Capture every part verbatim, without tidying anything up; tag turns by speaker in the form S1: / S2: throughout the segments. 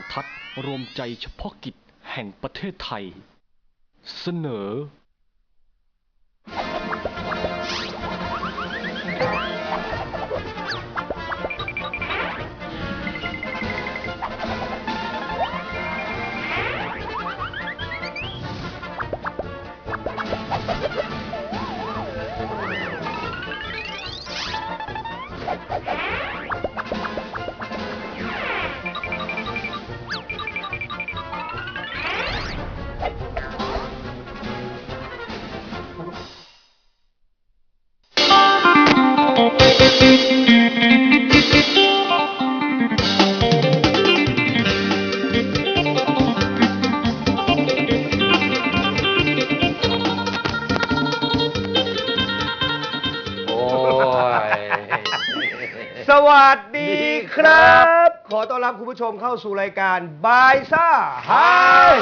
S1: ทัศน์รวมใจเฉพาะกิจแห่งประเทศไทยเสนอ
S2: สวัสดีครับขอต้อนรับคุณผู้ชมเข้าสู่รายการบายซ่าฮาเฮ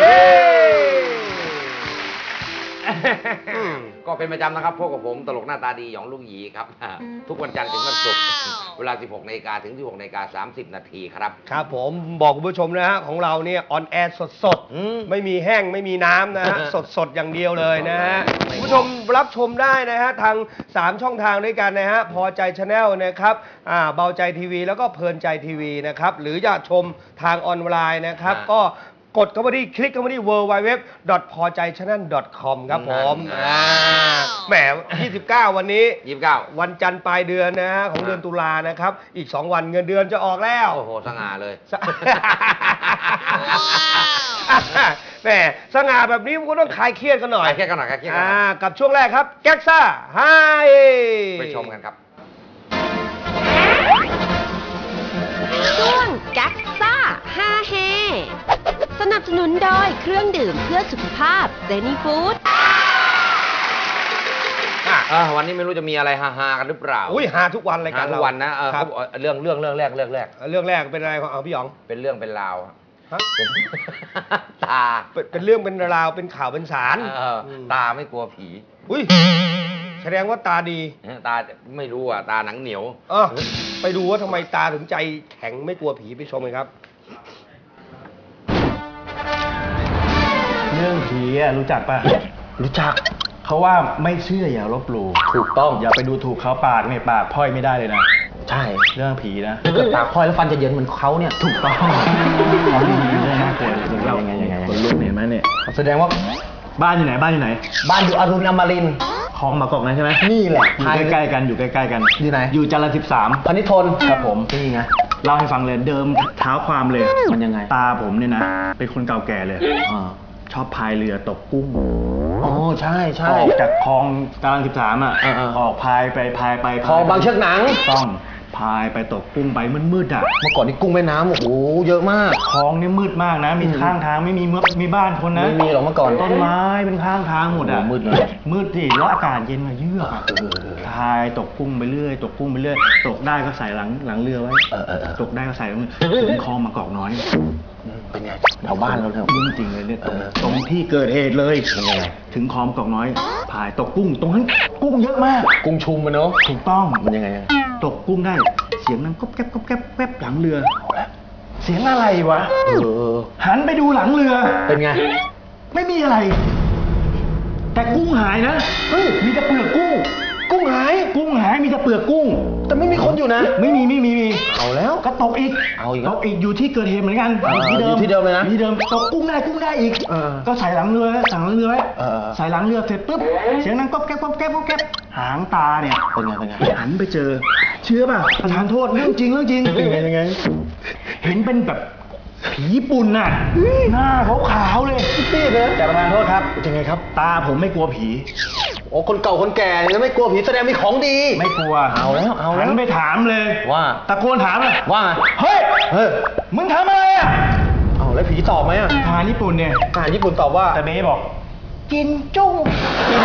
S3: ก็เป็นประจำนะครับพบกับผมตลกหน้าตาดีหยองลูกหยีครับทุกวันจันทร์ถึงวันศุกร์เวลา สิบหกนาฬิกา ถึง สิบหกนาฬิกาสามสิบนาทีครับครับ
S2: ผมบอกคุณผู้ชมนะฮะของเราเนี่ยออนแอร์สดๆไม่มีแห้งไม่มีน้ำนะฮะสดๆอย่างเดียวเลยนะฮะคุณผู้ชมรับชมได้นะฮะทางสามช่องทางด้วยกันนะฮะพอใจชาแนลนะครับอ่าเบาใจทีวีแล้วก็เพลินใจทีวีนะครับหรือจะชมทางออนไลน์นะครับก็กดเข้ามาที่คลิกเข้ามาที่ ดับเบิลยู ดับเบิลยู ดับเบิลยู ดอท พอใจชาแนล ดอท คอม ครับผมแหมยี่สิบเก้าวันนี้
S3: ยี่สิบเก้า
S2: วันจันทร์ปลายเดือนนะฮะของเดือนตุลานะครับอีกสองวันเงินเดือนจะออกแล้ว
S3: โอ้โหสง่าเลย
S2: แหมสง่าแบบนี้มันก็ต้องคลายเครียดกันหน่อย
S3: คลายเครียดกันหน่อยคลายเครียดกันหน่อย
S2: กับช่วงแรกครับแก๊กซ่าไฮ
S3: ไปชมกันครับ
S4: ช่วงแก๊กซ่าฮาเฮสนับสนุนโดยเครื่องดื่มเพื่อสุขภาพเซนีฟู้ด
S3: วันนี้ไม่รู้จะมีอะไรฮาๆกันหรือเปล่า
S2: อุ้ยฮาทุกวันรายการเรา
S3: ทุกวันนะเรื่องเรื่องเรื่องแรกเรื่องแรก
S2: เรื่องแรกเป็นอะไรของพี่หยอง
S3: เป็นเรื่องเป็นราวตา
S2: เป็นเรื่องเป็นราวเป็นข่าวเป็นสาร
S3: ตาไม่กลัวผี
S2: อุ้ยแสดงว่าตาดี
S3: ตาไม่รู้อ่ะตาหนังเหนียว
S2: เออไปดูว่าทำไมตาถึงใจแข็งไม่กลัวผีไปชมกันครับ
S5: เรื่องผีรู้จักปะ
S3: รู้จัก
S5: เขาว่าไม่เชื่ออย่าลบหลู่
S3: ถูกต้อง
S5: อย่าไปดูถูกเขาปากเนี่ยปากพ่อยไม่ได้เลยนะ
S3: ใช่
S5: เรื่องผีนะ
S3: ถ้าเกิดปากพ่อยแล้วฟันจะเยินเหมือนเขาเนี่ย
S5: ถูกต้องเขาดีๆเลยน่ากลัวเรายังไงยังไงคนลุกเห็นไหมเนี่ย
S3: แสดงว่า
S5: บ้านอยู่ไหนบ้านอยู่ไหน
S3: บ้านอยู่อรุณอมรินทร์
S5: คลองมากอกนะใช่ไหม
S3: นี่แหละ
S5: อยู่ใกล้ๆกันอยู่ใกล้ๆกัน
S3: อยู่ไหน
S5: อยู่จรัญสิบสาม
S3: พนิทน
S5: ครับผมนี่ไงเล่าให้ฟังเลยเดิมเท้าความเลย
S3: มันยังไง
S5: ตาผมเนี่ยนะเป็นคนเก่าแก่เลยชอบพายเรือตกกุ้ง
S3: อ๋อใช่ใช่
S5: ออกจากคลองจรัญสิบสามอ่ะออกพายไปพายไป
S3: คลองบางเชือกหนัง
S5: ต้องพายไปตกกุ้งไปมืดๆอ่ะ
S3: เมื่อก่อนนี่กุ้งแม่น้ำโอ้โหเยอะมาก
S5: คลองนี่มืดมากนะมีข้างทางไม่มีมีบ้านคนนะ
S3: ไม่มีหรอกเมื่อก่อน
S5: ต้นไม้เป็นข้างทางหมดอ่ะ
S3: มืดเลย
S5: มืดสิแล้วอากาศเย็นมาเยือกพายตกกุ้งไปเรื่อยตกกุ้งไปเรื่อยตกได้ก็ใส่หลังหลังเรือไว้ตกได้ก็ใส่หลังถึงคลองมากอกน้อย
S3: เป็นไงแถวบ้านเราแถว
S5: จริงๆเลยเนี่ยตรงที่เกิดเหตุเลยถึงคลองกอกน้อยพายตกกุ้งตรงนั้นกุ้งเยอะมาก
S3: กุ้งชุมมันเนาะ
S5: ถูกต้อง
S3: มันยังไง
S5: ตกกุ้งได้เสียงนั้นก๊อบแก๊บก๊อบแก๊บแป๊บหลังเรือเสียงอะไรวะหันไปดูหลังเรือ
S3: เป็นไง
S5: ไม่มีอะไรแต่กุ้งหายนะเฮ้ยมีแต่เปลือกกุ้ง
S3: กุ้งหาย
S5: กุ้งหายมีแต่เปลือกกุ้ง
S3: แต่ไม่มีคนอยู่นะ
S5: ไม่มีไม่มีมี
S3: เอาแล้ว
S5: ก็ตกอีก
S3: เอาอีก
S5: ตกอีกอยู่ที่เกิดเหตุเหมือนกัน
S3: ที่เดิมที่เดิมเลยนะ
S5: ที่เดิมตกกุ้งได้กุ้งได้อีกก็ใส่หลังเรือสั่งหลังเรือไว้ใส่หลังเรือเสร็จปุ๊บเสียงนั้นก๊อบแก๊บก๊อบแก๊บก๊อบแก๊บหางตาเนี่ย
S3: เป็นไงเป็นไง
S5: หันไปเจอเชื่อป่ะประธานโทษเรื่องจริงเรื่องจริง
S3: เป็นไงยังไง
S5: เห็นเป็นแบบผีญี่ปุ่นน่ะหน้าขาวๆเลย
S3: พี่นะ
S5: แต่ประธานโทษครับยังไงครับตาผมไม่กลัวผี
S3: โอ้คนเก่าคนแก่แล้วไม่กลัวผีแสดงมีของดี
S5: ไม่กลัว
S3: เอาแล้วเอาแล้ว
S5: หันไปถามเลย
S3: ว่า
S5: ตะโกนถามเลย
S3: ว่า
S5: เฮ้ยเฮ้ยมึงทำอะไรอ่ะ
S3: เอาแล้วผีตอบไหมอ่ะ
S5: ทหารญี่ปุ่นเนี่ย
S3: ทหารญี่ปุ่นตอบว่า
S5: แต่เมย์บอกกินจุ้งกิน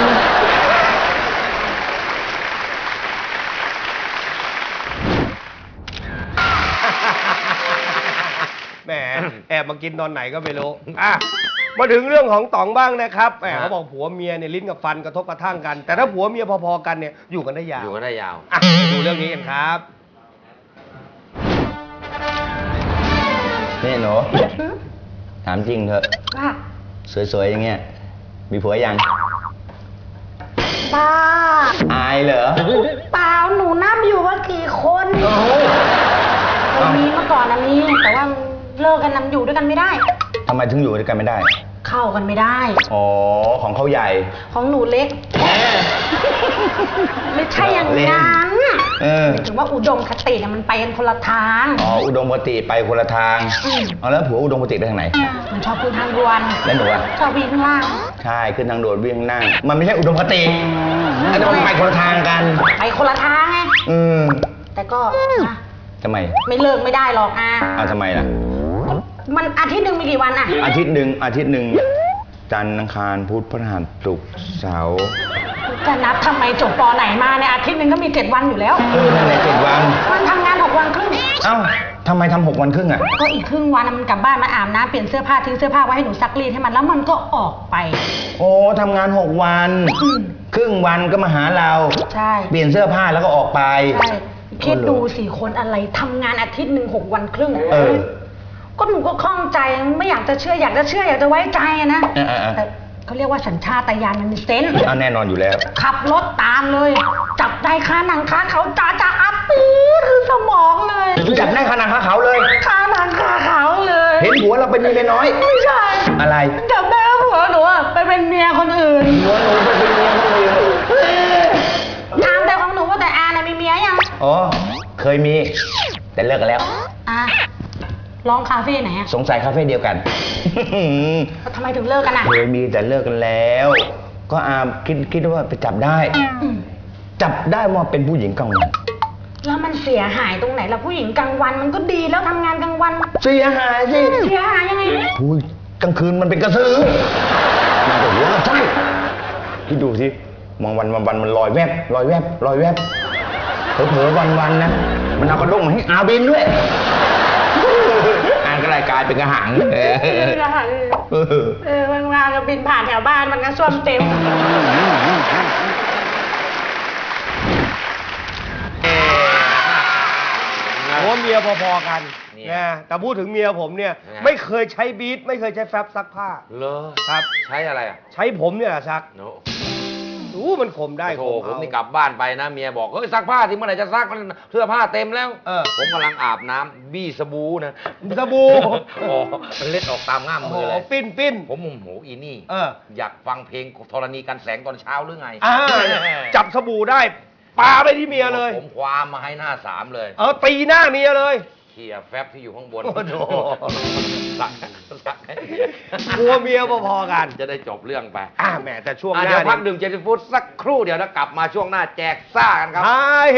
S2: แหมแอบมากินตอนไหนก็ไม่รู้อ่ะมาถึงเรื่องของต๋องบ้างนะครับแหมเขาบอกผัวเมียเนี่ยลิ้นกับฟันกระทบกระทั่งกันแต่ถ้าผัวเมียพอๆกันเนี่ยอยู่กันได้ยาว
S3: อยู่กันได้ยาว
S2: อ่ะไปดูเรื่องนี้กันครับ
S6: นี่หนูถามจริงเถอะ
S7: ว่า
S6: สวยๆอย่างเงี้ยมีผัวยัง
S7: ป้า
S6: อายเหรอ
S7: เปล่าหนูนับอยู่ว่ากี่คนเคยมีเมื่อก่อนนะมีแต่ว่าเลิกกันนำอยู่ด้วยกันไม่ได้
S6: ทำไมถึงอยู่ด้วยกันไม่ได้
S7: เข้ากันไม่ได้
S6: อ๋อของเขาใหญ่
S7: ของหนูเล็ก ไม่ใช่อย่างนั้น
S6: เออ
S7: ถึงว่าอุดมคติเนี่ยมันไปกันคนละทาง
S6: อ๋ออุดมคติไปคนละทาง
S7: อืม
S6: เอาแล้วผัวอุดมคติไปทางไหน
S7: มันชอบขึ้นทางด่วน
S6: แล้วหนูอะ
S7: ชอบวิ่งข้างล่าง
S6: ใช่ขึ้นทางด่วนวิ่งข้างหน้ามันไม่ใช่อุดมคติอันนี้มันไปคนละทางกัน
S7: ไปคนละทางไง
S6: อืม
S7: แต่ก็นะ
S6: ทำไม
S7: ไม่เลิกไม่ได้หรอกอ่ะ
S6: เอาทำไมล่ะ
S7: มันอาทิตย์หนึ่งมีกี่วันอ่ะ
S6: อาทิตย์หนึ่งอาทิตย์หนึ่งจันทร์อังคารพุธพฤหัสศุกร์เสาร์
S7: จะนับทำไมจบปอไหนมาเนี่ยอาทิตย์หนึ่งก็มีเจ็ดวันอยู่แล้ว
S6: เออนั่นแหละเจ็ดวัน
S7: มันทำงานหกวันครึ่ง
S6: เอ้าทำไมทำหกวันครึ่งอ่ะ
S7: ก็อีกครึ่งวันน่ะมันกลับบ้านมาอาบน้ำเปลี่ยนเสื้อผ้าทิ้งเสื้อผ้าไว้ให้หนูซักรีดให้มันแล้วมันก็ออกไป
S6: โอ้ทำงานหกวัน
S7: อืม
S6: ครึ่งวันก็มาหาเรา
S7: ใช่
S6: เปลี่ยนเสื้อผ้าแล้วก็ออกไป
S7: ใช่คิดดูสี่คนอะไรทำงานอาทิตย์หนึ่งหกวันครึ่ง
S6: เออ
S7: ก็หนูก็คล่องใจไม่อยากจะเชื่ออยากจะเชื่ออยากจะไว้ใจอะนะ
S6: เออเออเออ
S7: แต่เขาเรียกว่าสัญชาตญาณมันมีเซนส์
S6: เอาแน่นอนอยู่แล้ว
S7: ขับรถตามเลย จับได้คาหนังคาเขาจ้าจ้าอัปปีคือสมองเลย
S6: จับได้ขนาดขาเขาเลย
S7: คาหนังคาเขาเลย
S6: เห็นผัวเราเป็นเมียน้อย
S7: ไม่ใช่
S6: อะไร
S7: จับได้ว่าผัวหนูอะไปเป็นเมียคนอื่น
S6: ผัวหนูไปเป็นเมียคนอื่น
S7: ถามแต่ของหนูว่าแต่อาน่ะมีเมียยัง
S6: อ๋อ เคยมี แต่เลิกกันแล้ว
S7: อ่ะร้องคาเฟ่ไหนอะ
S6: สงสัยคาเฟ่เดียวกัน
S7: ทำไมถึงเลิกกันอะ
S6: เคยมีแต่เลิกกันแล้ว ก็อาคิดคิดว่าไปจับได้
S7: อืม
S6: จับได้ว่าเป็นผู้หญิงกลางวัน
S7: แล้วมันเสียหายตรงไหนล่ะผู้หญิงกลางวันมันก็ดีแล้วทำงานกลางวัน
S6: เสียหายสิ
S7: เสียหายยังไง
S6: อุ้ยกลางคืนมันเป็นกระสือมันก็หัวใช่คิดดูสิมองวันวันวันมันลอยแวบลอยแวบลอยแวบเผลอๆวันวันๆนะมันเอากระด้งมาให้อาบินด้วยอ่านก็รายกลายเป็นกระหังเออ
S7: เออเออมันมาก็บินผ่านแถวบ้านมันก็ส้วมเต็ม
S2: ผมว่าเมียพอๆกัน
S3: เนี่ย
S2: นะแต่พูดถึงเมียผมเนี่ย
S3: ยังไง
S2: ไม่เคยใช้บีทไม่เคยใช้แฟบซักผ้า
S3: เลอ
S2: ครับ
S3: ใช้อะไรอ่ะ
S2: ใช้ผมเนี่ยแหละซัก
S3: โน
S2: รู้มันข่มได้
S3: โถ
S2: ข่ม
S3: ผม
S2: เอา
S3: นี่กลับบ้านไปนะเมียบอกเฮ้ยซักผ้าที่เมื่อไหร่จะซักมันเสื้อผ้าเต็มแล้ว
S2: เออ
S3: ผมกำลังอาบน้ำบี้สบู่นะ
S2: สบู่
S3: อ๋อมันเล็ดออกตามง่าม
S2: โอ้โห
S3: มือเลย
S2: ปิ้นปิ้น
S3: ผมโมโหอีนี่
S2: เออ
S3: อยากฟังเพลงธรณีกันแสงตอนเช้าหรือไง
S2: อ่าจับสบู่ได้ปาไปที่เมียเลย
S3: ผมคว้ามาให้หน้าสามเลย
S2: เออตีหน้าเมียเลย
S3: เขี่ยแฟบที่อยู่ข้างบน
S2: โอ้โห
S3: สักสัก
S2: กลัวเมียพอๆกัน
S3: จะได้จบเรื่องไป
S2: อ่าแหมแต่ช่วงห
S3: อ่ะ
S2: น้า
S3: เดี๋ยวพัก
S2: นี่
S3: ดื่มเจนฟูดสักครู่เดี๋ยวแล้วกลับมาช่วงหน้าแจกซ่ากันครับ
S2: ฮาเฮ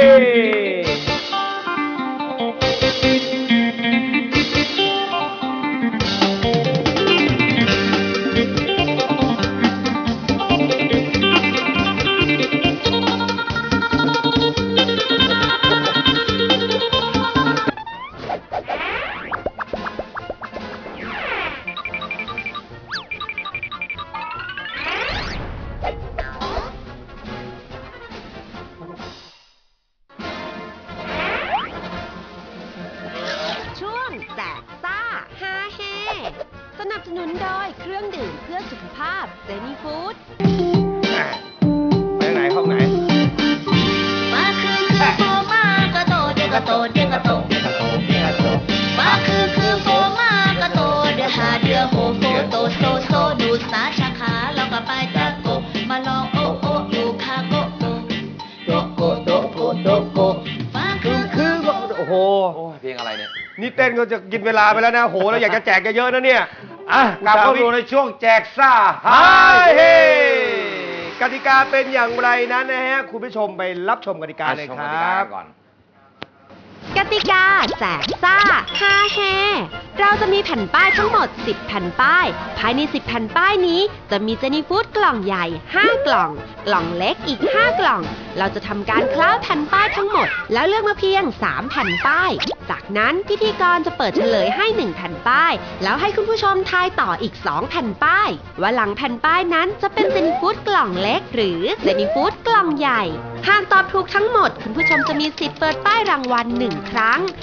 S4: ช่วงแจกซ่าฮาเฮสนับสนุนโดยเครื่องดื่มเพื่อสุขภาพเซนิฟู้ด
S2: ไปไหนห้องไหน
S8: มาคือคือโฟมากระโตเดกระโตเดกระโตมาคือคือโฟมากระโตเดหาเดือโฮโฟโตโซโซดูสาชาขาแล้วก็ไปตะโกมาลองโอโออยู่คาโกโกโตโกโตโกโตโกมาคือคือ
S2: โอ้โห
S3: โอ้ยเพลงอะไรเนี่ย
S2: นี่เต้นก็จะกินเวลาไปแล้วนะโหเราอยากจะแจกเยอะๆนะเนี่ย
S3: อ่ะกลับเข้าสู่ในช่วงแจกซ่า
S2: ฮาเฮกติกาเป็นอย่างไรนั้นนะฮะคุณผู้ชมไปรับชมกติกาเลย
S3: ชม
S2: ค
S3: ก
S2: ร
S3: ติกา
S2: ับ
S3: ก่อน
S4: กติกาแจกซ่าฮาเฮเราจะมีแผ่นป้ายทั้งหมดสิบแผ่นป้าย ภายในสิบแผ่นป้ายนี้จะมีเจนี่ฟู้ดกล่องใหญ่ห้ากล่อง กล่องเล็กอีกห้ากล่อง เราจะทำการคล้าแผ่นป้ายทั้งหมด แล้วเลือกมาเพียงสามแผ่นป้าย จากนั้นพิธีกรจะเปิดเฉลยให้หนึ่งแผ่นป้าย แล้วให้คุณผู้ชมทายต่ออีกสองแผ่นป้าย ว่าหลังแผ่นป้ายนั้นจะเป็นเจนี่ฟู้ดกล่องเล็ก หรือเจนี่ฟู้ดกล่องใหญ่ หากตอบถูกทั้งหมด คุณผู้ชมจะมีสิทธิ์เปิดป้ายรางวัลหนึ่งครั้ง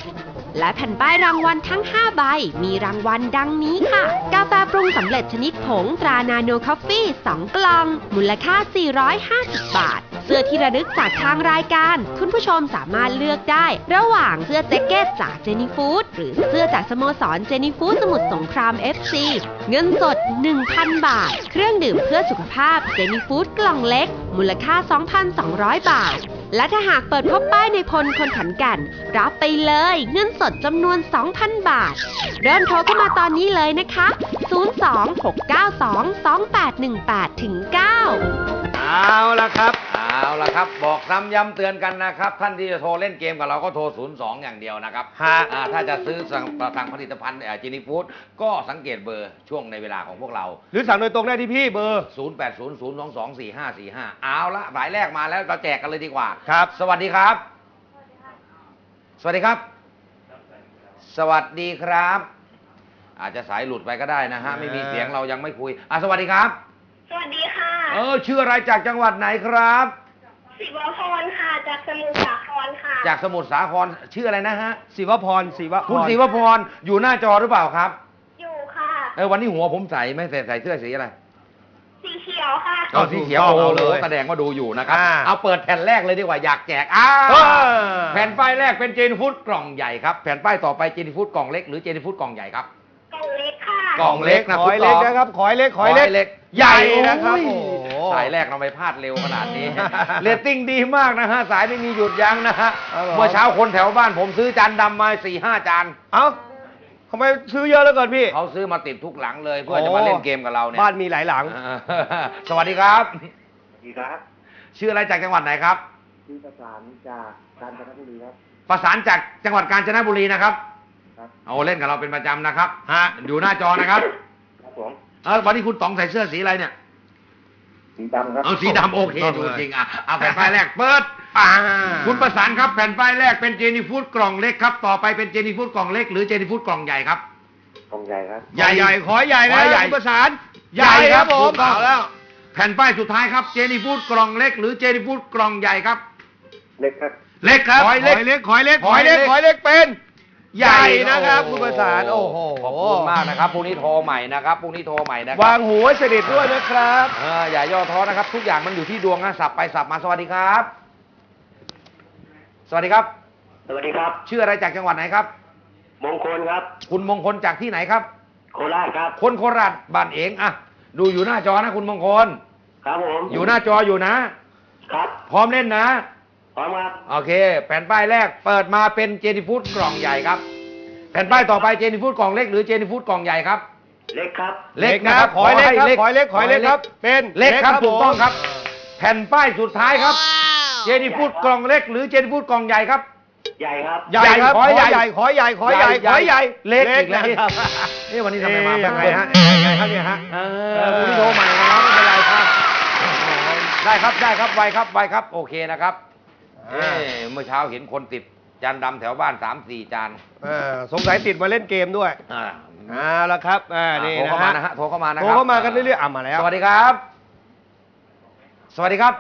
S4: และแผ่นป้ายรางวัลทั้งห้าใบมีรางวัลดังนี้ค่ะกาแฟปรุงสำเร็จชนิดผงตรานาโนคอฟฟี่สองกล่องมูลค่าสี่ร้อยห้าสิบบาทเสื้อที่ระลึกจากทางรายการคุณผู้ชมสามารถเลือกได้ระหว่างเสื้อแจ็คเก็ตจากเจนี่ฟู้ดหรือเสื้อจากสโมสรเจนี่ฟู้ดสมุทรสงคราม เอฟ ซี เงินสด หนึ่งพัน บาทเครื่องดื่มเพื่อสุขภาพเจนี่ฟู้ดกล่องเล็กมูลค่า สองพันสองร้อย บาทและถ้าหากเปิดพบป้ายในพลคนขันกันรับไปเลยเงินสดจำนวน สองพัน บาทเริ่มโทรเข้ามาตอนนี้เลยนะคะ ศูนย์ สอง หก เก้า สอง สอง แปด หนึ่ง แปด เก้า
S2: เอาละครับ
S3: เอาละครับบอกซ้ำย้ำเตือนกันนะครับท่านที่จะโทรเล่นเกมกับเราก็โทรศูนย์สองอย่างเดียวนะครับ
S2: ฮะ
S3: อ่าถ้าจะซื้อสั่งสั่งผลิตภัณฑ์จีนีฟู้ดก็สังเกตเบอร์ช่วงในเวลาของพวกเรา
S2: หรือสั่งโดยตรงได้ที่พี่เบอร์
S3: ศูนย์ แปด ศูนย์ ศูนย์ สอง สอง สี่ ห้า สี่ ห้า เอาละหมายแรกมาแล้วเราแจกกันเลยดีกว่า
S2: ครับ
S3: สวัสดีครับ สวัสดีครับ สวัสดีครับ อาจจะสายหลุดไปก็ได้นะฮะไม่มีเสียงเรายังไม่คุยอ่ะสวัสดีครับ
S9: สวัสดีค่ะ
S3: เออชื่ออะไรจากจังหวัดไหนครับ
S9: ศิวพรค่ะ จากสมุทรสาครค่ะ
S3: จากสมุทรสาครชื่ออะไรนะฮะ
S2: ศิวพรศิวพร
S3: คุณศิวพรอยู่หน้าจอหรือเปล่าครับ
S9: อยู่ค่ะ
S3: เออวันนี้หัวผมใสไหม่ใส่ใส่เสื้อสีอะไร
S9: สีเขียวค่ะ
S3: เอาสีเขียว
S2: ถูกต้อง
S3: โอ้
S2: เอา
S3: โห
S2: เลย
S3: แสดงว่าดูอยู่นะครับ
S2: อ่า
S3: เอาเปิดแผ่นแรกเลยดีกว่าอยากแจกอ้า
S2: เออ
S3: แผ่นป้ายแรกเป็นเจนฟูดกล่องใหญ่ครับแผ่นป้ายต่อไปเจนฟูดกล่องเล็กหรือเจนฟูดกล่องใหญ่ครับ
S9: กล่องเล็กค่ะ
S3: กล่องเล็กนะ
S2: ขอยเล็กนะครับขอยเล็กขอยเล็ก
S3: ใหญ่
S2: นะครับ
S3: โอ้
S2: โอ้
S3: ย
S2: โห
S3: สายแรกเราไปพลาดเร็วขนาดนี้ เรตติ้งดีมากนะฮะสายไม่มีหยุดยั้งนะฮะ
S2: ครับผม
S3: เมื่อเช้าคนแถวบ้านผมซื้อจานดำมาสี่ห้าจาน
S2: เอ้าทำไมซื้อเยอะแล้วเกินพี่
S3: เขาซื้อมาติดทุกหลังเลยเพื่อจะมาเล่นเกมกับเราเนี่ย
S2: บ้านมีหลายหลัง
S3: อ่าสวัสดีครับ
S10: สวัสดีครับ
S3: ชื่ออะไรจากจังหวัดไหนครับ
S10: ชื่อประสานจากกาญจนบุรีครับ
S3: ประสานจากจังหวัดกาญจนบุรีนะครับ
S10: ครับ
S3: เอาเล่นกับเราเป็นประจำนะครับ
S2: ฮะ
S3: อยู่หน้าจอนะครับ
S10: ครับผม
S3: เออวันนี้คุณต๋องใส่เสื้อสีอะไรเนี่ย
S10: สีดำครับ
S3: เอาสีดำโอเค
S2: เอาเลย
S3: ดูจริงอ่ะเอาแผ่นป้ายแรกเปิด
S2: อ่า
S3: คุณประสานครับแผ่นป้ายแรกเป็นเจนี่ฟู้ดกล่องเล็กครับต่อไปเป็นเจนี่ฟู้ดกล่องเล็กหรือเจนี่ฟู้ดกล่องใหญ่ครับ
S10: กองใหญ่ครับ
S2: ใหญ่ใหญ่ขอใหญ่
S3: ข
S2: นะ
S3: อใหญ่
S2: คุณประสานใหญ่ครับผ
S3: ถู
S2: ม
S3: กต้อง
S2: เอาแล้ว
S3: แผ่นป้ายสุดท้ายครับเจนี่ฟู้ดกล่องเล็กหรือเจนี่ฟู้ดกล่องใหญ่ครับ
S10: เล็กครับ
S3: เล็กครับ
S2: ขอยเล็กขอยเล็กขอยเล็กขอยเล็กเป็นใหญ่นะครับคุณประสานโอ้โห
S3: ขอบคุณมากนะครับพรุ่งนี้โทรใหม่นะครับพรุ่งนี้โทรใหม่นะครั
S2: วางหูไว้สนิทด้วยนะครับ
S3: เอออย่าย่อท้อนะครับ ทุกอย่างมันอยู่ที่ดวงนะสับไปสับมาสวัสดีครับ สวัสดีครับ
S10: สวัสดีครับ
S3: ชื่ออะไรจากจังหวัดไหนครับ
S10: มงคลครับ
S3: คุณมงคลจากที่ไหนครับ
S10: โคราชครับ
S3: คนโคราชบ้านเองอะดูอยู่หน้าจอนะคุณมงคล
S10: ครับผม
S3: อยู่หน้าจออยู่นะ
S10: ครับ
S3: พร้อมเล่นนะ
S10: พร้อมครับ
S3: โอเค แผ่นป้ายแรกเปิดมาเป็นเจนี่ฟู้ดกล่องใหญ่ครับ แผ่นป้ายต่อไปเจนี่ฟู้ดกล่องเล็กหรือเจนี่ฟู้ดกล่องใหญ่ครับ
S10: เล็กครับ
S3: เล็กนะครับ
S2: ขอยเล็กครับ
S3: ให้
S2: ขอยเล็กขอยเล็กครับ เป็น
S3: เล็กครับ
S2: ผม
S3: ถูกต้องครับ แผ่นป้ายสุดท้ายครับ เจนี่ฟู้ดกล่องเล็กหรือเจนี่ฟู้ดกล่องใหญ่ครับ
S10: ใหญ่ครับ
S2: ใหญ่ครับ
S3: ข
S2: ข
S3: อ
S2: อ
S3: ใหญ่
S2: ใหญ่ขอใหญ่ขอใหญ่ขอใหญ่
S3: เล็กอีกแล้ว
S2: นะครับ
S3: นี่วันนี้ทำไมมา
S2: เอ๊ะยังไงฮะยังไงครับเนี่ยฮะ
S3: เอ
S2: เอ
S3: อ
S2: อ
S3: คุณ
S2: คุณ
S3: ที่
S2: ที่
S3: โท
S2: โท
S3: ร
S2: ร
S3: ให
S2: ให
S3: ม่
S2: ม่
S3: นะ
S2: นะ
S3: ไม่
S2: ไม่
S3: เป็
S2: เป็น น
S3: ไร
S2: ไร
S3: ค
S2: ค
S3: รั
S2: รับ บ
S3: ได้ครับได้ครับไวครับไวครับโอเคนะครับ
S2: อ่า
S3: เอ้เมื่อเช้าเห็นคนติดจานดำแถวบ้านสามสี่จาน
S2: เออสงสัยติดมาเล่นเกมด้วย
S3: อ่า
S2: เอาละครับอ่านี่
S3: โทร
S2: นะ
S3: เข้ามา
S2: ฮะ
S3: นะฮะโทรเข้ามานะค
S2: โท
S3: รับ
S2: รเข้ามากันเรื่อยๆอ่ะมาแล้ว
S3: สวัสดีครับ สวัสดีครับ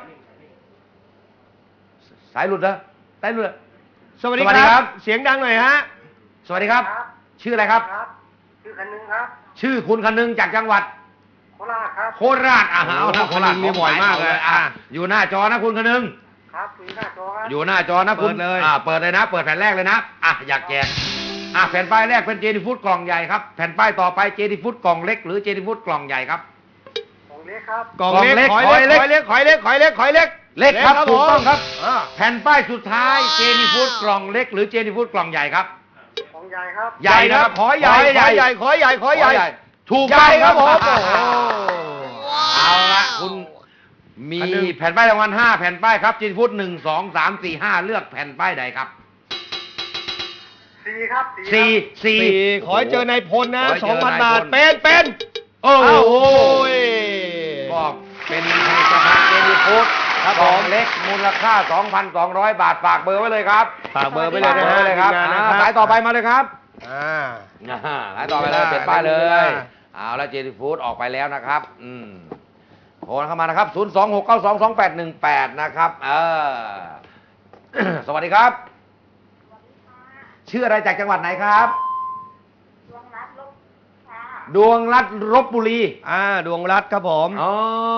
S3: สายหลุดเหรอสายหลุดเหรอ
S2: สวัสดี
S3: สวัสดี
S2: ค
S3: ครั
S2: รับ บ เสียงดังหน่อยฮะ
S3: สวัสดีครับ ชื่ออะไรครับ
S10: ครับ ชื่อคันนึงครับ
S3: ชื่อคุณคนึงจากจังหวัด
S10: โคราชครับ
S3: โคราชอ่ะเอาละโคราช
S2: มีบ่อยมากเลย
S3: อ่ะ
S2: อ่ะ
S3: อยู่หน้าจอนะคุณคนึง
S10: ครับถึงหน้าจอครับ
S3: อยู่หน้าจอนะคุณ
S2: เปิดเลย
S3: อ่าเปิดเลยนะ เปิดแผ่นแรกเลยนะอ่ะอยากแจกอ่ะแผ่นป้ายแรกเป็นเจนี่ฟู้ดกล่องใหญ่ครับแผ่นป้ายต่อไปเจนี่ฟู้ดกล่องเล็กหรือเจนี่ฟู้ดกล่องใหญ่ครับ
S10: กองเล็กครับ
S2: กล่องเล็ก
S3: กล่
S2: ข
S3: อ
S2: อง ย
S3: เล็
S2: เล็
S3: ก
S2: กขอยเล็กขอยเล็กขอยเล็กขอยเล็ก
S3: เล็กครับถูกต้องครับ
S2: อ่า
S3: แผ่นป้ายสุดท้ายเจนี่ฟู้ดกล่องเล็กหรือเจนี่ฟู้ดกล่องใหญ่ครับ
S10: กองใหญ่ครับ
S3: ใหญ่นะครับ
S2: ขอใหญ่ขอใหญ่ขอใหญ่ขอใหญ่
S3: ถูก
S2: ให
S3: ต้
S2: ญ่
S3: อง
S2: ครับผม
S3: โอ้โห
S2: โอ้
S3: เอาละคุณมี
S2: อันหนึ่ง
S3: แผ่นป้ายรางวัลห้าแผ่นป้ายครับเจนี่ฟู้ดหนึ่งสองสามสี่ห้าเลือกแผ่นป้ายใดครับ
S10: สี่ครับ
S3: สี่สี่
S2: สี่ขอให้เจอนายพลนะ
S3: ขอให้
S2: ส
S3: เจ
S2: อง
S3: อ
S2: พัน
S3: นายพล
S2: บาทเป็นเป็น
S3: โอ้โห
S2: อ้าวโอ้ย
S3: ก็เป็นผลิตภัณฑ์เจนี่ฟู้ด
S2: ครับ
S3: กล่อง
S2: ผม
S3: เล็กมูลค่า สองพันสองร้อย บาทฝากเบอร์ไว้เลยครับ
S2: ฝากเบอร์ไปเลยนะ
S3: ฝาก
S2: ฮะ
S3: เบอร์เลยครับ
S2: ทีมงานนะ
S3: อ่า
S2: ครับ
S3: สายต่อไปมาเลยครับ
S2: อ่า
S3: อ่าสายต่อไปเลยเปลี่ยนป้ายเล
S2: ได้
S3: ย
S2: ได้
S3: เอาแล้วเจนี่ฟู้ดออกไปแล้วนะครับ อืมโทรเข้ามานะครับ ศูนย์ สอง หก เก้า สอง สอง แปด หนึ่ง แปด นะครับ เออ สวัสดีครับชื่ออะไรจากจังหวัดไหนครับ
S9: ดวงรัตน์ลบค่ะ
S3: ดวงรัตน์ลพบุรี
S2: อ่าดวงรัตน์ครับผม
S3: อ๋อ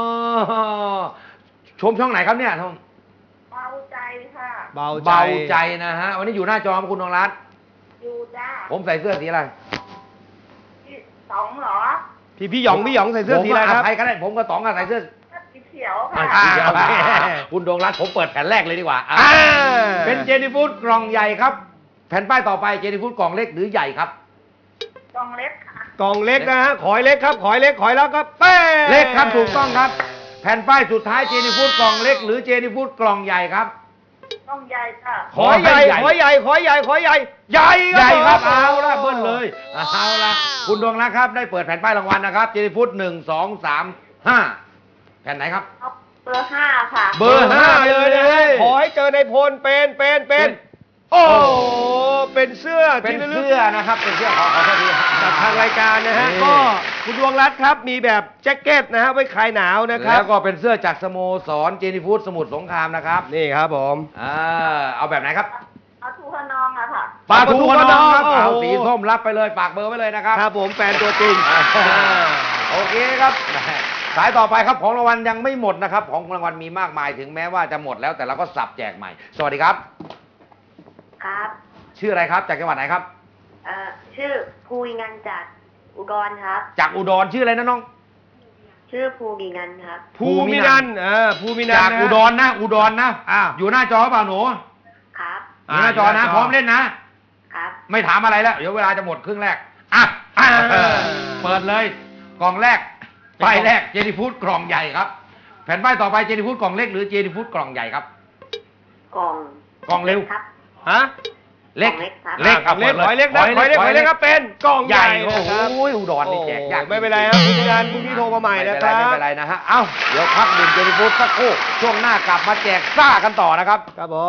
S3: ชมช่องไหนครับเนี่ยชม
S9: เบาใจค่ะ
S2: เบาใจ
S3: เบาใจนะฮะวันนี้อยู่หน้าจอครับคุณดวงรัตน์
S9: อยู่จ้า
S3: ผมใส่เสื้อสีอะไร
S9: ที่สองเหรอ
S2: พี่พี่หยองพี่หยองใส่เสื้อสีอะไรครับ
S3: ผมก็ใครก็ได้ผมกับต๋องก็ใส่เสื้อ
S9: สีเขียวค่ะ
S3: อ่า
S2: โอเค
S3: คุณดวงรัตน์ผมเปิดแผ่นแรกเลยดีกว่าอ่า
S2: อ่า
S3: เป็นเจนี่ฟูดกล่องใหญ่ครับ แผ่นป้ายต่อไปเจนี่ฟูดกล่องเล็กหรือใหญ่ครับ
S9: กองเล็กค่ะ
S2: กล่องเล็กนะฮะขอยเล็กครับขอยเล็กขอยแล้วก็เป้
S3: เล็กครับถูกต้องครับ แผ่นป้ายสุดท้ายเจนี่ฟูดกล่องเล็กหรือเจนี่ฟูดกล่องใหญ่ครับ
S9: กองใหญ่ค่ะ
S2: ขอยใหญ่ขอยใหญ่ขอยใหญ่ขอยใหญ่ใหญ่
S3: ใหญ่ครับ
S2: ผม
S3: เอาละเบิ้ลเลยเอาละคุณดวงรัตน์ครับได้เปิดแผ่นป้ายรางวัลนะครับเจนี่ฟูดหนึ่งสองสามห้าแผ่นไหนครับ
S9: เอาเบอร์ห้าค่ะ
S3: เบอร์ห้าเลยนะ
S2: ขอให้เจอในพลเป็นเป็นเป็นโอ้เป็นเสื้อ
S3: เป็น
S2: ที่ระลึก
S3: เสื้อนะครับเป็นเสื้อขอขอโทษที
S2: จากทางรายการนะฮะ
S3: นี่
S2: ก็คุณดวงรัตน์ครับมีแบบแจ็คเก็ตนะฮะไว้คลายหนาวนะครับ
S3: แล้วก็เป็นเสื้อจากสโมสรเจนี่ฟูดสมุทรสงครามนะครับ
S2: นี่ครับผม
S3: อ่าเอาแบบไหนครับ
S9: เอาทูขนองอะค่ะ
S3: ปลาทูขนองครับ
S2: โอ้โห
S3: เอาสีส้มรับไปเลยฝากเบอร์ไว้เลยนะครับ
S2: ครับผมแฟนตัวจริง
S3: อ่าโอเคครับสายต่อไปครับของรางวัลยังไม่หมดนะครับของรางวัลมีมากมายถึงแม้ว่าจะหมดแล้วแต่เราก็สับแจกใหม่ สวัสดีครับ
S9: ครับ
S3: ชื่ออะไรครับจากจังหวัดไหนครับ
S9: เอ่อชื่อภูมิงันจากอุดรครับ
S3: จากอุดรชื่ออะไรนะน้อง
S9: ชื่อภูมิงันครับ
S2: ภูมินันท์เออภูมินัน
S3: จาก
S2: ท์นะ
S3: อุดรนะอุดรนะ
S2: อ้าว
S3: อยู่หน้าจอเปล่าหนู
S9: ครับ
S3: อยู่หน้าจอนะพร้อมเล่นนะ
S9: ครับ
S3: ไม่ถามอะไรแล้ว เดี๋ยวเวลาจะหมดครึ่งแรก อ่ะอ่ะเออเปิดเลย กล่องแรก ป้ายแรก เจนี่ฟูดกล่องใหญ่ครับ แผ่นป้ายต่อไป เจนี่ฟูดกล่องเล็กหรือเจนี่ฟูดกล่องใหญ่ครับ
S9: กล่อง
S3: กล่องเร็ว
S9: ครับ
S2: ฮะ
S3: เล็ก
S9: กล่องเล็กครับ
S3: เล็ก
S2: อ่ะเล็กขอยเล็กนะขอยเล็กขอยเล็กครับเป็นกล่อง
S3: ให
S2: ให
S3: ญ่
S2: ญ่
S3: โอ้
S2: นะ
S3: โห
S2: ครับ
S3: อุดรนี่แจกยาก
S2: โอ้ไม่เป็นไรครับภูมินันท์พรุ่งนี้โทรมาใหม่นะค
S3: ไม่
S2: รับ
S3: เป็นไรไม่เป็นไรนะฮะ เอ้า เดี๋ยวพักดื่มเจนี่ฟูดสักครู่ ช่วงหน้ากลับมาแจกซ่ากันต่อนะครับ
S2: ครับผม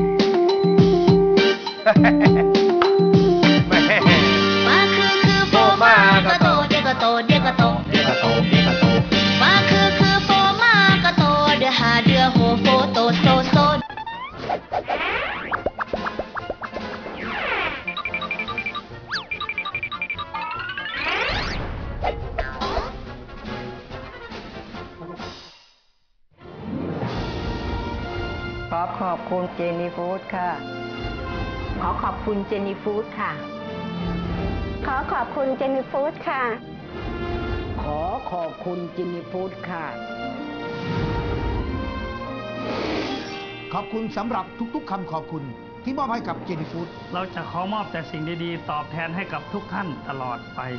S8: มาคือคือโฟมากระโตเดียกระโตเดียกระโตเดียกระโตเดียกระโตมาคือคือโฟมากระโตเดือหาเดือโหโฟโตโซโซ
S11: ขอขอบคุณเจนี่ฟู้ดค่ะ
S4: ขอขอบคุณเจนี่ฟู้ดค่ะ
S7: ขอขอบคุณเจนนี่ฟู้ดค่ะ
S11: ขอขอบคุณเจนี่ฟู้ดค่ะ
S12: ขอบคุณสำหรับทุกๆคำขอบคุณที่มอบให้กับเจนี่ฟู้ด
S5: เราจะขอมอบแต่สิ่งดีๆ ตอบแทนให้กับทุกท่านตลอดไป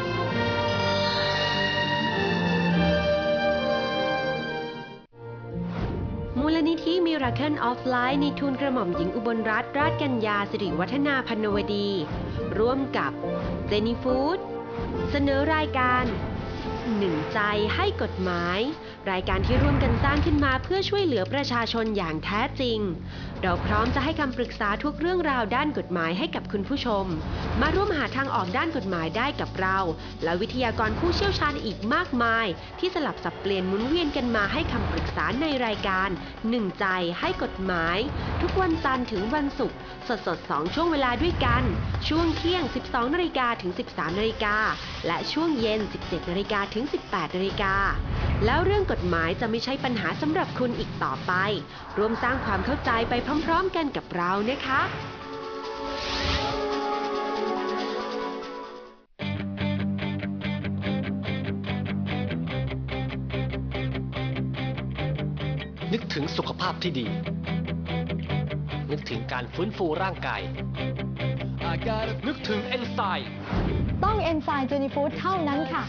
S4: มูลนิธิมิราเคิลออฟไลฟ์ในทุนกระหม่อมหญิงอุบลรัตน์ราชกัญญาสิริวัฒนาพันวดี ร่วมกับเจนี่ฟู้ดเสนอรายการหนึ่งใจให้กฎหมาย รายการที่ร่วมกันสร้างขึ้นมาเพื่อช่วยเหลือประชาชนอย่างแท้จริง เราพร้อมจะให้คำปรึกษาทุกเรื่องราวด้านกฎหมายให้กับคุณผู้ชม มาร่วมหาทางออกด้านกฎหมายได้กับเรา และวิทยากรผู้เชี่ยวชาญอีกมากมาย ที่สลับสับเปลี่ยนหมุนเวียนกันมาให้คำปรึกษาในรายการหนึ่งใจให้กฎหมาย ทุกวันจันทร์ถึงวันศุกร์สดสดสองช่วงเวลาด้วยกัน ช่วงเที่ยง สิบสองนาฬิกาถึง สิบสามนาฬิกาและช่วงเย็น สิบเจ็ดนาฬิกาถึง สิบแปดนาฬิกาแล้วเรื่องกฎหมายจะไม่ใช่ปัญหาสำหรับคุณอีกต่อไปร่วมสร้างความเข้าใจไปพร้อมๆกันกับเรานะคะ
S1: นึกถึงสุขภาพที่ดี นึกถึงการฟื้นฟูร่างกาย นึกถึงเอนไซม์
S13: ต้องเอนไซม์เจนี่ฟู้ดเท่านั้นค่ะ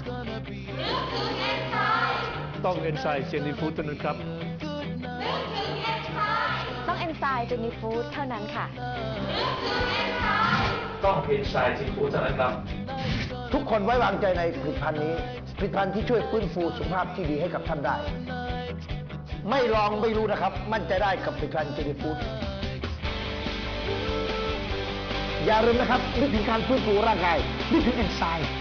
S14: ต้องเอนไซม์เจนี่ฟู้ดเท่านั้นครับ
S13: ต้องเอนไซม์เจนี่ฟู้ดเท่านั้นค่ะ
S14: ต้องเอนไซม์เจนี่ฟู้ดเท่านั้นครับ
S12: ทุกคนไว้วางใจในผลิตภัณฑ์นี้ผลิตภัณฑ์ที่ช่วยฟื้นฟูสุขภาพที่ดีให้กับท่านได้ ไม่ลองไม่รู้นะครับ มั่นใจได้กับผลิตภัณฑ์เจนี่ฟู้ดอย่าลืมนะครับนึกถึงการฟื้นฟูร่างกายนึกถึงเอนไซม์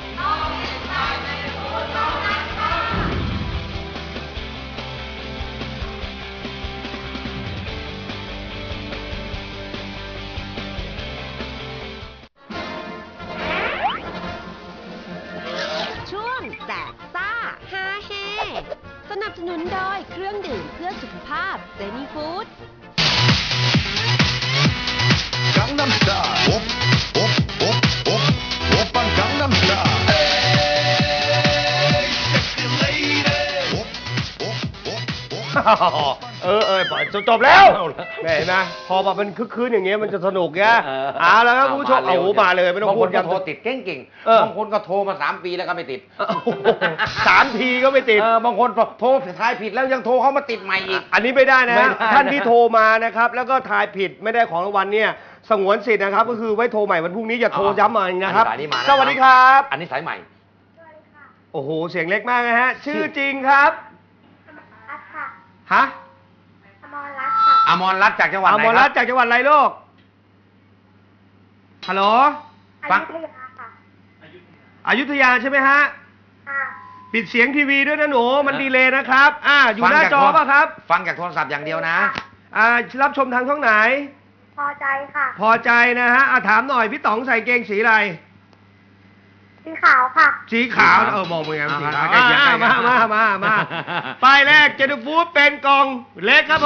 S4: นุนโดยเครื่องดื่มเพื่อสุขภาพเจนี่ฟู้ด
S15: Gangnam Style. Op, op, op, op, oppa Gangnam Style. Hey, sexy lady. Op, op, op, op.
S2: เออเออจบแล้วแหมเห็นไหมพอแบบมันคึกคืนอย่างเงี้ยมันจะสนุกไงเอาแล้วครับคุณผู้ชมเอาหูมาเลยไม่ต้อง
S3: บาง
S2: พู
S3: ค
S2: ด
S3: นก็
S2: ย้ำ
S3: โทรติดเก่งๆ
S2: เออ
S3: บางคนก็โทรมาสามปีแล้วก็ไม่ติด
S2: สามทีก็ไม่ติด
S3: เออบางคนโทรทายผิดแล้วยังโทรเขามาติดใหม่อีก
S2: อันนี้ไม่ได้นะ
S3: ไม่
S2: ฮะ
S3: ได้
S2: ท่านที่โทรมานะครับแล้วก็ทายผิดไม่ได้ของรางวัลเนี่ยสงวนสิทธิ์นะครับก็คือไว้โทรใหม่วันพรุ่งนี้อย่าโทรย้ำมาอีกนะครับ
S3: อันนี้สายนี้มานะ
S2: สวัสดีครับ
S3: อันนี้สายใหม่
S2: โอ้โหเสียงเล็กมากนะฮะชื่อจริงครับฮะ
S3: อมรรัตน์จากจังหวัด
S2: อ
S3: ไหน
S2: มร
S3: ค
S2: รั
S3: รั
S2: ตน์จากจังหวัดอะไรลูกฮัลโหล
S3: ฟัง
S2: อยุธยาใช่ไหมฮะปิดเสียงทีวีด้วยนะหนูมันดีเลยนะครับอ่าอยู่หน้าจอป่ะครับ
S3: ฟังจากโทรศัพท์อย่างเดียวนะ
S2: อ่ารับชมทางช่องไหน
S9: พอใจค่ะ
S2: พอใจนะฮะอ่ะถามหน่อยพี่ต๋องใส่เกงสีอะไร
S9: สีขาวค่ะ
S2: สีขาวเออมองเป็นไงสีขาว
S3: ใกล้เคียง
S2: อ่า
S3: ใกล้
S2: มา
S3: เคียง
S2: มามามาป้ายแรกเจนฟูดเป็นกล่องเล็กครับผม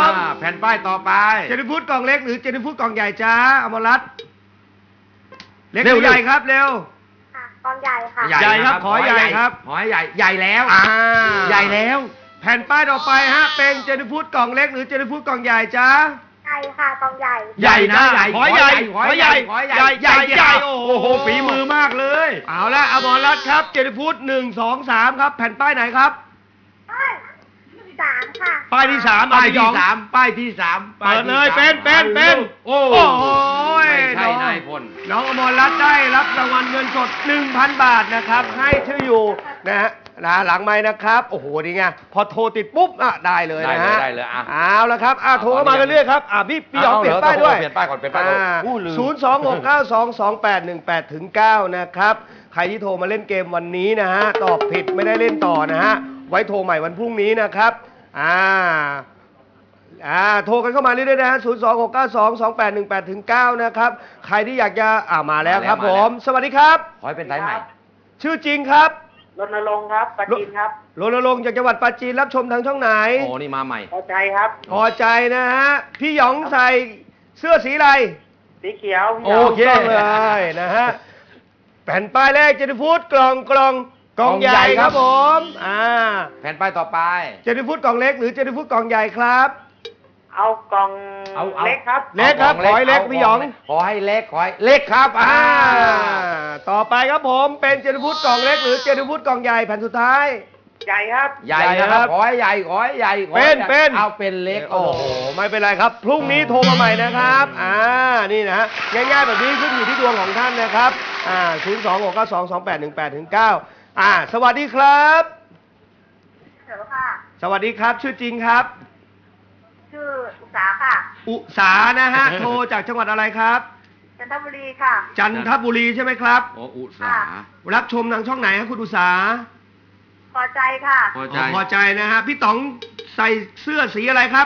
S3: อ่าแผ่นป้ายต่อไป
S2: เจนฟูดกล่องเล็กหรือเจนฟูดกล่องใหญ่จ้าอมรรัตน์เล็กห
S3: เร็ว
S2: รือใหญ่ครับเร็ว
S9: ค่ะกองใหญ่ค่ะ
S2: ใหญ่ครับขอใหญ่ครับ
S3: ขอให้ใหญ่ใหญ่แล้ว
S2: อ่า
S3: ใหญ่แล้ว
S2: แผ่นป้ายต่อไปฮะเป็นเจนฟูดกล่องเล็กหรือเจนฟูดกล่องใหญ่จ้า
S9: ใหญ่ค่ะกองใหญ่
S3: ใหญ่นะใหญ่
S2: ขอใหญ่
S3: ขอใหญ่
S2: ขอใหญ่
S3: ขอใหญ่
S2: ใหญ่ใหญ่
S3: โอ้
S2: โอ้
S3: โห
S2: โห
S3: ฝีมือมากเลย
S2: เอาละอมรรัตน์ครับเจนฟูดหนึ่งสองสามครับแผ่นป้ายไหนครับ
S9: สามค่ะ
S2: ป้ายที่สาม
S3: ป้าย
S2: อ่ะ
S3: ที่
S2: พี่หยอง
S3: สามป้ายที่สาม
S2: เปิดเลยเป็นเป็นเป็น
S3: โอ้
S2: โอ้โห
S3: ไม่ใช่
S2: น้อง
S3: นายพล
S2: น้องอมรรัตน์ได้รับรางวัลเงินสด หนึ่งพัน บาทนะครับให้ชื่ออยู่นะฮะนะหลังไม้นะครับโอ้โหนี่ไงพอโทรติดปุ๊บอ่ะได้เลยนะฮะ
S3: ได้เลยได้เลยอ่ะ
S2: เอาละครับอ่ะโทรเข้ามาเรื่อยๆครับอ่ะพี่พี่หยอง
S3: เอา
S2: เปลี่ยน
S3: เอา
S2: ป้ายด้วย
S3: เปลี่ยนป้ายก่อนเปลี่ยนป้ายก่อน
S2: อ่
S3: อู้ลืม
S2: ศูนย์สองหกเก้าสองสองแปดหนึ่งแปดถึงเก้านะครับใครที่โทรมาเล่นเกมวันนี้นะฮะตอบผิดไม่ได้เล่นต่อนะฮะไว้โทรใหม่วันพรุ่งนี้นะครับอ่า อ่าโทรกันเข้ามาเรื่อยๆนะฮะศูนย์สองหกเก้าสองสองแปดหนึ่งแปดถึงเก้านะครับ ใครที่อยากจะอ่ามาแล้วครับ
S3: มา
S2: ผ
S3: แล้ว
S2: ม สวัสดีครับ
S3: ขอให้เป็นสายใหม่
S2: ชื่อจริงครับ
S10: รณรงค์ครับปราจีนครับ
S2: รณรงค์จากจังหวัดปราจีนรับชมทางช่องไหน
S3: โอ้นี่มาใหม่
S10: พอใจครับ
S2: พอใจนะฮะ พี่หยองใส่เสื้อสีอะไร
S10: สีเขียวพี่
S2: โอ
S10: หยง
S2: เคเลยนะฮะ แผ่นป้ายแรกเจนฟูดกล่องกล่องกล่องใหญ่ครับผมอ่า
S3: แผ่นป้ายต่อไป
S2: เจนฟูดกล่องเล็กหรือเจนฟูดกล่องใหญ่ครับ
S10: เอากล่อง
S3: เอาเอา
S10: เล็กครับ
S2: เล็กครับ
S3: า
S2: ขอให้เล็ก
S3: า
S2: พี่หยอง
S3: ขอให้เล็กขอให้เล็กครับอ่า
S2: อ่าต่อไปครับผมเป็นเจนฟูดกล่องเล็กหรือเจนฟูดกล่องใหญ่แผ่นสุดท้าย
S10: ใหญ่ครับ
S3: ใหญ่
S2: ใหญ่
S3: นะ
S2: ค
S3: ค
S2: รั
S3: รับ บขอให้ใหญ่ขอให้ใหญ่ขอ
S2: เป็
S3: ให้
S2: น
S3: ใหญ่
S2: เป็น
S3: เอาเป็นเล็ก
S2: โอ้โหไม่เป็นไรครับพรุ่งนี้โทรมาใหม่นะครับอ่านี่นะฮะง่ายๆแบบนี้ขึ้นอยู่ที่ดวงของท่านนะครับอ่าศูนย์สองหกเก้าสองสองแปดหนึ่งแปดถึงเก้าอ่าสวัสดีครับ
S9: เดี๋ยวค่ะ
S2: สวัสดีครับชื่อจริงครับ
S9: ชื่ออุษาค่ะ
S2: อุสานะฮะ โทรจากจังหวัดอะไรครับ
S9: จันทบุรีค่ะ
S2: จันทบุรีใช่ไหมครับ
S3: โอ้อุตสาห์
S2: รับชมทางช่องไหนครับคุณอุสา
S9: พอใจค่ะ
S3: พอใจ
S2: พอใจนะฮะพี่ต๋องใส่เสื้อสีอะไรครับ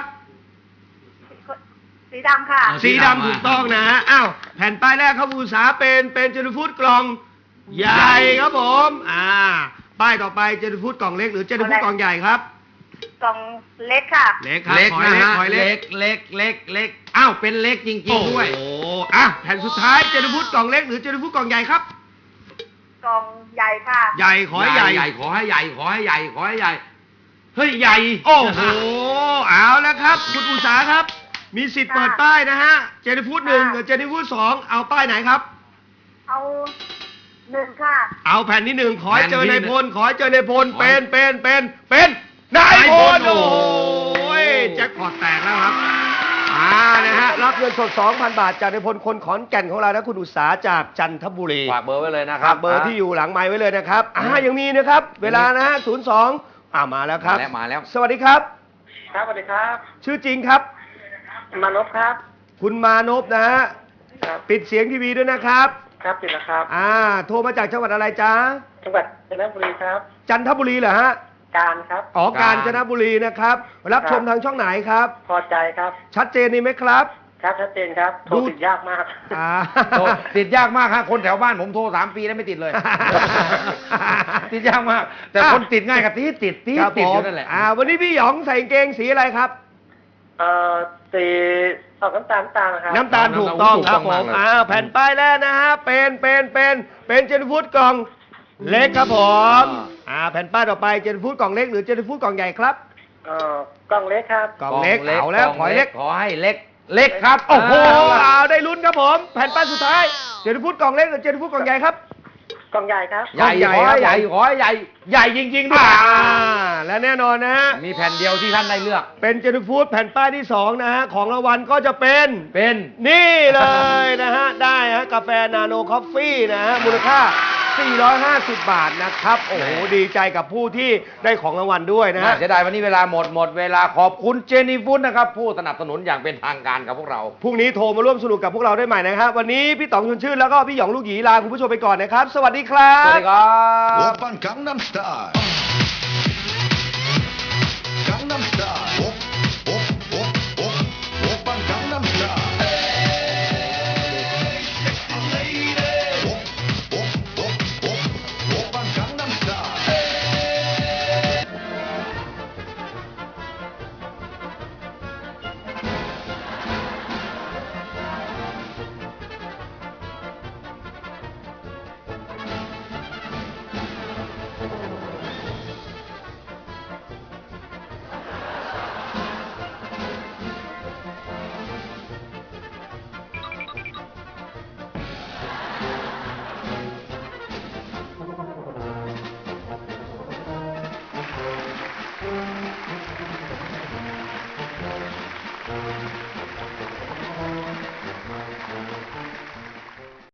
S9: สีดำค่ะ
S2: สีดำถูกต้องนะฮะ อ้าว แผ่นป้ายแรกครับอุตสาหเป็น เป็นเจนฟูดกล่องใหญ่ครับผม อ่า ป้ายต่อไปเจนฟูดกล่องเล็กหรือเจนฟูดกล่องใหญ่ครับ
S9: กล่องเล็กค่ะ
S2: เล็กครับ
S3: เล็ก
S2: ขอให้
S3: นะ
S2: เล็ก
S3: ฮะ
S2: ขอให้เล็
S3: เล็
S2: ก
S3: กเล็กเล็กเล็กอ้าวเป็นเล็กจริง
S2: โอ้
S3: ๆด้วย
S2: โหอ่ะ แผ่นสุดท้ายเจนฟูดกล่องเล็กหรือเจนฟูดกล่องใหญ่ครับ
S9: กล่องใหญ่ค่ะ
S2: ใหญ่ขอให้ใหญ่
S3: ใหญ่ขอให้ใหญ่ขอให้ใหญ่ขอให้ใหญ่เฮ้ยใหญ่
S2: โอ้โห เอาแล้วครับ คุณอุตสาหครับ มีสิทธิ์เปิดป้ายนะฮะ เจนฟูดหนึ่งกับเจนฟูดสองเอาป้ายไหนครับ
S9: เอาหนึ่งค่ะ
S2: เอาแผ่นที่หนึ่งขอให้เจอ
S3: แผ่นที่
S2: ใน
S3: หนึ่ง
S2: พล ขอให้เจอในพล
S3: ขอให้
S2: เป็น เป็น เป็น เป็นนายพล
S3: นายพล
S2: โอ้ยแจ็คพอตแตกแล้วครับ อ่า นะฮะ รับเงินสด สองพัน บาทจากในพลคนขอนแก่นของเรานะคุณอุตสาหจากจันทบุรี
S3: ฝากเบอร์ไว้เลยนะครับ
S2: ฝากเบอร์ที่อยู่หลังไม้ไว้เลยนะครับ อ่า ยังมีนะครับ เวลานะฮะ ศูนย์ สอง อ่ามาแล้วค
S3: มา
S2: รับ
S3: แล้วมาแล้ว
S2: สวัสดีครับ
S10: ครับสวัสดีครับ
S2: ชื่อจริงครับ
S10: มานพครับ
S2: คุณมานพนะฮะ
S10: ครับ
S2: ปิดเสียงทีวีด้วยนะครับ
S10: ครับติดแล้วครับ
S2: อ่า โทรมาจากจังหวัดอะไรจ๊ะ
S10: จังหวัดจันทบุรีครับ
S2: จันทบุรีเหรอฮะ
S10: การครับ
S2: อ๋อกาญจนบุรีนะครับ รับชมทางช่องไหนครับ
S10: พอใจครับ
S2: ชัดเจนนี่ไหมครับ
S10: ครับชัดเจนครับ โทรติดยากมาก
S2: อ่า
S3: โทรติดยากมากฮะคนแถวบ้านผมโทรสามปีแล้วไม่ติดเลย
S2: ต
S3: ติดยากมาก แต่คนติดง่ายกับที่ติดที่
S2: ครับ
S3: ติด
S2: ผ
S3: อ
S2: ม
S3: ยู่นั่นแหละ
S2: อ่าวันนี้พี่หยองใส่กางเกงสีอะไรครับ
S10: เอ่อสีออกน้ำตาลน้ำตาลนะครับ
S2: น้ำตาลถูกต้องครับผม
S3: ถูกต้องมากเลย
S2: อ่าแผ่นป้ายแรกนะฮะเป็นเป็นเป็นเป็นเจนฟูดกล่องเล็กครับผมอ่าแผ่นป้ายต่อไปเจนฟูดกล่องเล็กหรือเจนฟูดกล่องใหญ่ครับ
S10: เอ่อกล่องเล็กครับ
S2: กล่องเล็กเอาแล้วขอเล็ก
S3: ขอให้เล็ก เล็กครับ
S2: โอ้โห
S3: เา
S2: เอาได้ลุ้นครับผมแผ่นป้ายสุดท้ายเจนฟูดกล่องเล็กหรือเจนฟูดกล่องใหญ่ครับ
S10: กล่องใหญ่ครับ
S3: ใหญ่
S2: ใหญ่
S3: ขอ
S2: ครั
S3: ให้
S2: บ
S3: ใหญ่ขอให้ใหญ่ ใหญ่จริงๆด้วย
S2: อ่าและแน่นอนนะฮะ
S3: มีแผ่นเดียวที่ท่านได้เลือก
S2: เป็นเจนฟูดแผ่นป้ายที่สองนะฮะของรางวัลก็จะเป็น
S3: เป็น
S2: นี่เลยนะฮะ ได้ฮะกาแฟนาโนคอฟฟี่นะฮะมูลค่า สี่ร้อยห้าสิบบาทนะครับ โอ้โห ดีใจกับผู้ที่ได้ของรางวัลด้วยนะ
S3: น่า
S2: ฮะ
S3: เสียดายวันนี้เวลาหมดหมดเวลาขอบคุณเจนี่ฟู้ดนะครับ ผู้สนับสนุนอย่างเป็นทางการกับพวกเรา
S2: พรุ่งนี้โทรมาร่วมสนุกกับพวกเราได้ใหม่นะครับ วันนี้พี่ต๋องชวนชื่นแล้วก็พี่หยองลูกหยีลาคุณผู้ชมไปก่อนนะครับ สวัสดีครับ
S3: สวัสดีครับ
S15: 오빤 강남스타일